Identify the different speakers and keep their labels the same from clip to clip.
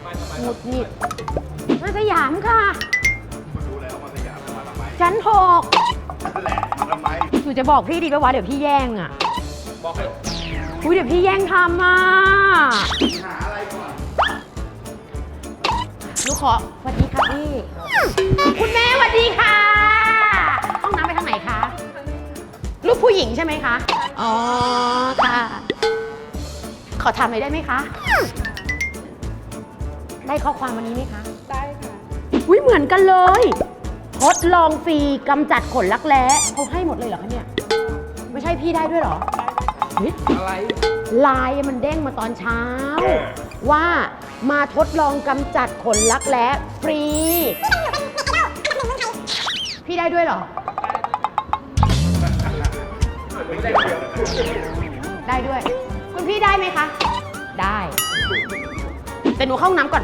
Speaker 1: หงุดหงิดมาสยามค่ะ
Speaker 2: รู้แล้วมาสยามมาทำไม
Speaker 1: ชั้นหก
Speaker 2: นั่นแหละมาทำไม
Speaker 1: หนูจะบอกพี่ดีป่าวะเดี๋ยวพี่แย่งอ่ะ
Speaker 2: บอกให้
Speaker 1: อุ้ยเดี๋ยวพี่แย่งทำอ่ะ
Speaker 2: หาอะไรก่อน
Speaker 1: หนูขอสวัสดีค่ะพี่ คุณแม่สวัสดีค่ะ ห้องน้ำไปทางไหนคะลูกผู้หญิงใช่ไหมคะ อ๋อค่ะ ขอถามหน่อยได้ไหมคะ ได้ข้อความวันนี้ไหมคะ
Speaker 3: ได้ค่ะ
Speaker 1: อุ้ยเหมือนกันเลยทดลองฟรีกำจัดขนรักแร้เขาให้หมดเลยเหรอคะเนี่ย ไม่ใช่พี่ได้ด้วยเหรอเฮ้ย
Speaker 2: อะไร
Speaker 1: ไลน์มันเด้งมาตอนเช้า ว่ามาทดลองกำจัดขนรักแร้ฟรี พี่ได้ด้วยเหรอ ได้ด้วย คุณพี่ได้ไหมคะ ได้ แต่หนูเข้าห้องน้ำก่อน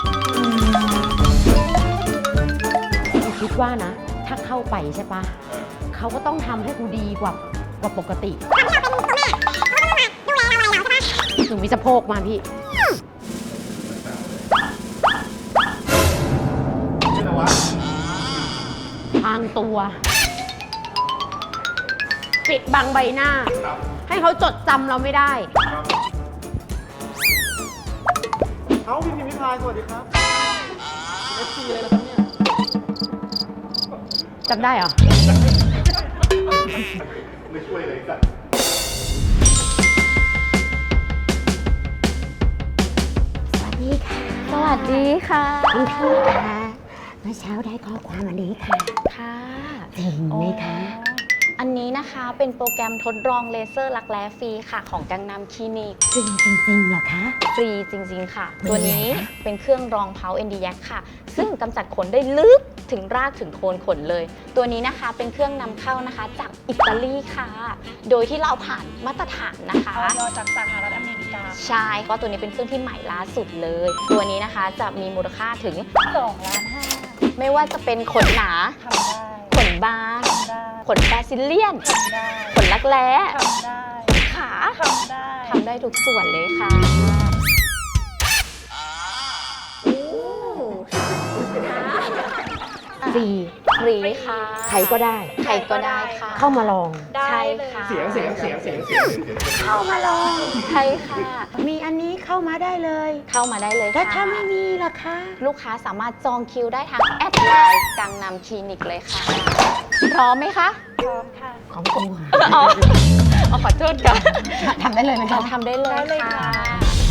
Speaker 1: คิดว่านะ ถ้าเข้าไปใช่ปะเขาก็ต้องทำให้กูดีกว่าปกติ หนูมีสะโพกมาพี่
Speaker 2: นี่นะวะ
Speaker 1: ทางตัว ปิดบังใบหน้า
Speaker 2: ครับ
Speaker 1: ให้เขาจดจำเราไม่ได้
Speaker 2: ครับ
Speaker 4: เอาพี่พิมพิพายสวัสดีครับเอฟซีเลยนะครับเนี่ย
Speaker 1: จำได้เหรอ
Speaker 2: ไม่ช่วยเลยสัตว์
Speaker 1: สวัสดีค่ะ
Speaker 3: สวัสดีค่ะ
Speaker 1: คุณพี่คะเมื่อเช้าได้ข้อความอันนี้ค่ะ
Speaker 3: ค่ะ
Speaker 1: จริงไหมคะ
Speaker 3: อันนี้นะคะเป็นโปรแกรมทดลองเลเซอร์รักแร้ฟรีค่ะของกังนำคลินิก
Speaker 1: จริงจริงๆเหรอคะ
Speaker 3: ฟรีจริงๆค่ะ
Speaker 1: เป็น
Speaker 3: ตัว
Speaker 1: ไง
Speaker 3: นี้
Speaker 1: คะ
Speaker 3: เป็นเครื่องรองเพา ND-YAG ค่ะ ซึ่งกำจัดขนได้ลึกถึงรากถึงโคนขนเลย ตัวนี้นะคะเป็นเครื่องนำเข้านะคะจากอิตาลีค่ะ โดยที่เราผ่านมาตรฐานนะคะ
Speaker 5: ออยจากสหรัฐอเมริกา
Speaker 3: ใช่เพราะตัวนี้เป็นเครื่องที่ใหม่ล่าสุดเลย ตัวนี้นะคะจะมีมูลค่าถึง
Speaker 5: 2 ล้าน 5
Speaker 3: ไม่ว่าจะเป็นขนหนา
Speaker 5: ทำได้
Speaker 3: ขนบาง
Speaker 5: ทำได้
Speaker 3: ขนแบซิเลียน
Speaker 5: ทำได้
Speaker 3: ขนรักแร้
Speaker 5: ทำได้
Speaker 3: ขา
Speaker 5: ทำได้
Speaker 3: ทำได้ทุกส่วนเลยค่ะ
Speaker 1: ฟรี
Speaker 3: ฟรีค่ะ
Speaker 1: ใครก็ได้
Speaker 3: ใครก็ได้ค่ะ
Speaker 1: เข้ามาลอง
Speaker 5: ได้
Speaker 3: ใช่
Speaker 5: เลย
Speaker 3: ค่ะ
Speaker 4: เสียง
Speaker 3: เข้ามาลองใช่ค่ะ
Speaker 1: มีอันนี้เข้ามาได้เลย
Speaker 3: เข้ามาได้เลย
Speaker 1: แล้ว
Speaker 3: ค่ะ
Speaker 1: ถ้าไม่มีล่ะคะ
Speaker 3: ลูกค้าสามารถจองคิวได้ทางแอดไลน์กังนำคลินิกเลยค่ะ พร้อมไหมคะ
Speaker 5: พร้อมค่ะ
Speaker 1: ของกู
Speaker 3: อ๋อขอโทษค่ะ
Speaker 1: ทำได้เลยไหมคะ
Speaker 3: ทำได้เลย
Speaker 5: ได้เลย
Speaker 3: ค่ะ
Speaker 5: ค่ะ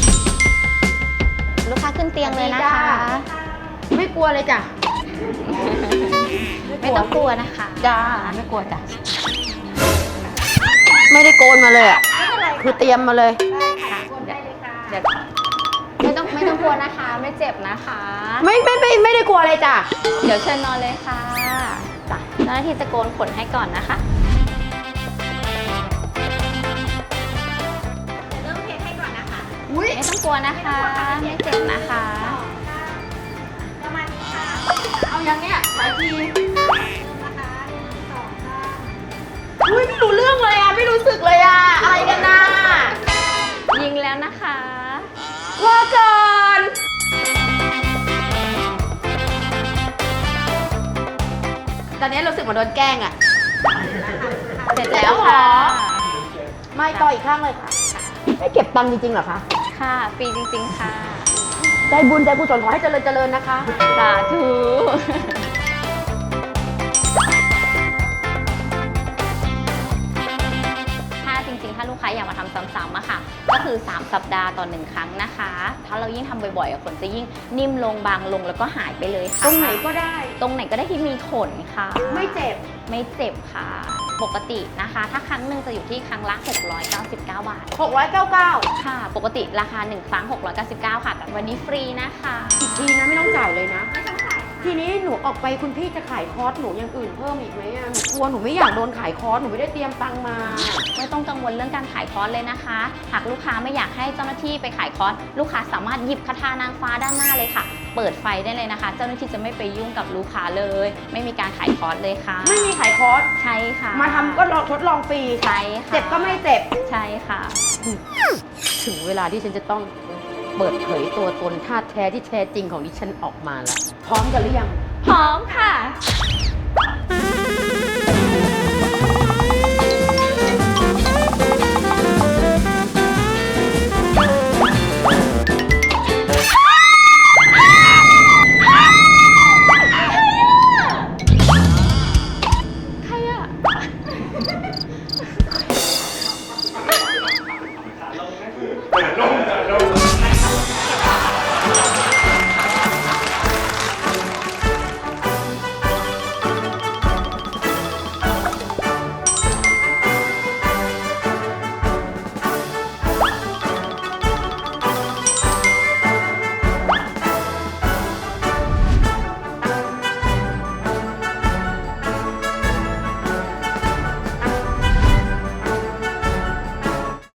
Speaker 3: ลูกค้าขึ้นเตียงเลยนะคะ
Speaker 1: ไม่กลัวเลยจ้ะ
Speaker 3: ไม่ต้องกลัวนะคะ
Speaker 1: จ้าไม่กลัวจ้ะ ไม่ได้โกนมาเลยอ่ะ คือเตรียมมาเลย
Speaker 3: ค่ะเดี๋ยวไม่ต้องกลัวนะคะ ไม่เจ็บนะคะ
Speaker 1: ไม่ได้กลัวเลยจ้ะ
Speaker 3: เดี๋ยวเชิญนอนเลยค่ะจ้ะเจ้าหน้าที่จะโกนขนให้ก่อนนะคะ
Speaker 1: อุ้ย
Speaker 3: ไม่ต้องกลัวนะคะ ไม่เจ็บนะคะ
Speaker 1: เอายังเนี่ยหลายทีอุ้ยไม่รู้เรื่องเลยอ่ะ ไม่รู้สึกเลยอ่ะ อะไรกันน่ะ
Speaker 3: ยิงแล้วนะคะ
Speaker 1: ว่าก่อน ตอนนี้รู้สึกเหมือนโดนแกล้งอ่ะ
Speaker 3: เสร็จแล้วค่ะ
Speaker 1: ไม่ต่ออีกข้างเลยค่ะ ไม่เก็บตังค์จริงๆเหรอคะ
Speaker 3: ค่ะ ฟรีจริงๆค่ะ
Speaker 1: ใจบุญใจกุศลขอให้เจริญเจริญนะคะ
Speaker 3: สาธุ ถ้าจริงๆ ถ้าลูกค้าอยากมาทำซ้ำๆอะค่ะ ก็คือ 3 สัปดาห์ต่อ 1 ครั้งนะคะ ถ้าเรายิ่งทำบ่อยๆขนจะยิ่งนิ่มลงบางลงแล้วก็หายไปเลยค่ะ
Speaker 1: ตรงไหนก็ได้
Speaker 3: ตรงไหนก็ได้ที่มีขนค่ะ
Speaker 1: ไม่เจ็บ
Speaker 3: ไม่เจ็บค่ะ ปกตินะคะ ถ้าครั้งหนึ่งจะอยู่ที่ครั้งละ 699 บาท
Speaker 1: 699
Speaker 3: ค่ะ ปกติราคา 1 ครั้ง 699 ค่ะ แต่วันนี้ฟรีนะคะ
Speaker 1: อีกทีนะไม่ต้องจ่ายเลยนะ ทีนี้หนูออกไปคุณพี่จะขายคอร์สหนูอย่างอื่นเพิ่มอีกไหมอะหนูกลัวหนูไม่อยากโดนขายคอร์สหนูไม่ได้เตรียมตังค์มา
Speaker 3: ไม่ต้องกังวลเรื่องการขายคอร์สเลยนะคะ หากลูกค้าไม่อยากให้เจ้าหน้าที่ไปขายคอร์ส ลูกค้าสามารถหยิบคาถานางฟ้าด้านหน้าเลยค่ะ เปิดไฟได้เลยนะคะ เจ้าหน้าที่จะไม่ไปยุ่งกับลูกค้าเลย ไม่มีการขายคอร์สเลยค่ะ
Speaker 1: ไม่มีขายคอร์ส
Speaker 3: ใช่ค่ะ
Speaker 1: มาทำก็ลองทดลองฟรี
Speaker 3: ใช่ค่ะ
Speaker 1: เจ็บก็ไม่เจ็บ
Speaker 3: ใช่ค่ะ
Speaker 1: ถึงเวลาที่ฉันจะต้องเปิดเผยตัวตนท่าแท้ที่แท้จริงของดิฉันออกมาแล้ว พร้อมกันหรือยัง
Speaker 3: พร้อมค่ะ ใครอะ
Speaker 2: ลง